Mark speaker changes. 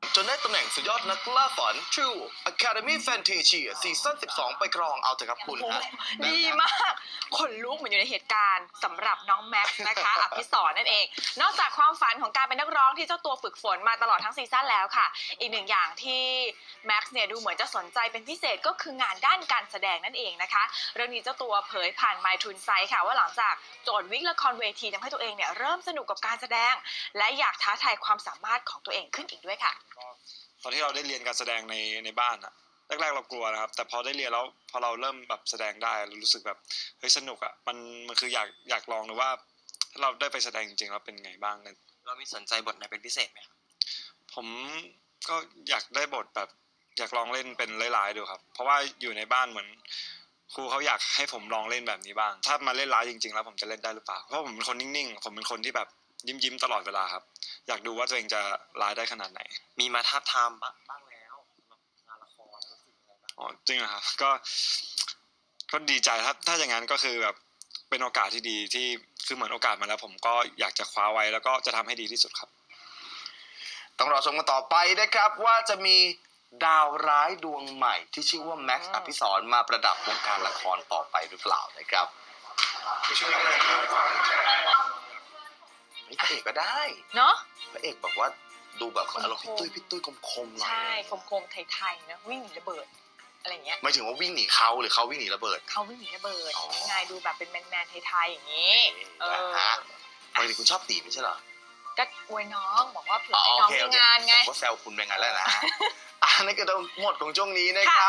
Speaker 1: จนได้ตำแหน่งสุดยอดนักล่าฝัน True Academy Fantasia ซีซั่น 12 ไปครองเอาเถอะครับคุณฮะ
Speaker 2: ดีมากขนลุกเหมือนอยู่ในเหตุการณ์สำหรับน้องแม็กซ์นะคะ อภิสรนั่นเอง นอกจากความฝันของการเป็นนักร้องที่เจ้าตัวฝึกฝนมาตลอดทั้งซีซั่นแล้วค่ะ อีกหนึ่งอย่างที่แม็กซ์เนี่ยดูเหมือนจะสนใจเป็นพิเศษก็คืองานด้านการแสดงนั่นเองนะคะเรื่องนี้เจ้าตัวเผยผ่าน My t u n s i ค่ะว่าหลังจากโจทย์วิกละครเวทีทำให้ตัวเองเนี่ยเริ่มสนุกกับการแสดง และอยากท้าทายความสามารถของตัวเองขึ้นอีกด้วยค่ะ
Speaker 3: ตอนที่เราได้เรียนการแสดงในบ้านอะแรกๆเรากลัวนะครับแต่พอได้เรียนแล้วพอเราเริ่มแบบแสดงได้เรารู้สึกแบบเฮ้ยสนุกอะมันคืออยากลองดูว่าถ้าเราได้ไปแสดงจริงๆแล้วเป็นไงบ้างกัน
Speaker 4: เรามีสนใจบทไหนเป็นพิเศษไหมครับ
Speaker 3: ผมก็อยากได้บทแบบอยากลองเล่นเป็นร้ายๆดูครับเพราะว่าอยู่ในบ้านเหมือนครูเขาอยากให้ผมลองเล่นแบบนี้บ้างถ้ามาเล่นร้ายจริงๆแล้วผมจะเล่นได้หรือเปล่าเพราะผมเป็นคนนิ่งๆผมเป็นคนที่แบบยิ้มตลอดเวลาครับอยากดูว่าตัวเองจะร้ายได้ขนาดไหน
Speaker 4: มีมาทาบทามบ้างแล้วสำหรับงานละครรู้สึกยังไงบ้าง
Speaker 3: อ๋อจริงเหรอครับก็ดีใจถ้าอย่างนั้นก็คือแบบเป็นโอกาสที่ดีที่คือเหมือนโอกาสมาแล้วผมก็อยากจะคว้าไว้แล้วก็จะทำให้ดีที่สุดครับ
Speaker 1: ต้องรอชมกันต่อไปนะครับว่าจะมีดาวร้ายดวงใหม่ที่ชื่อว่าแม็กซ์อภิสรมาประดับวงการละครต่อไปหรือเปล่านะครับพระเอกก็ได้
Speaker 2: เนาะ
Speaker 1: พระเอกแบบว่าดูแบบอารมณ์พี่ตุ้ยคมๆหน่อย
Speaker 2: ใช่คมๆไทยๆนะวิ่งหนีระเบิดอะไรเงี้ย
Speaker 1: ไม่ถึงว่าวิ่งหนีเขาหรือเขาวิ่งหนีระเบิด
Speaker 2: เขาวิ่งหนีระเบิด
Speaker 1: อ๋อ
Speaker 2: ยังไงดูแบบเป็นแมนๆไทยๆอย่างนี้เออ
Speaker 1: นะฮะปกติคุณชอบตีไม่ใช่เหรอ
Speaker 2: ก็อวยน้องบอกว่าเผื่อให้น้องมีงานไง
Speaker 1: ผมก็แซวคุณไปงั้นแล้วนะ อันนี้ก็ต้องหมดของช่วงนี้นะครับ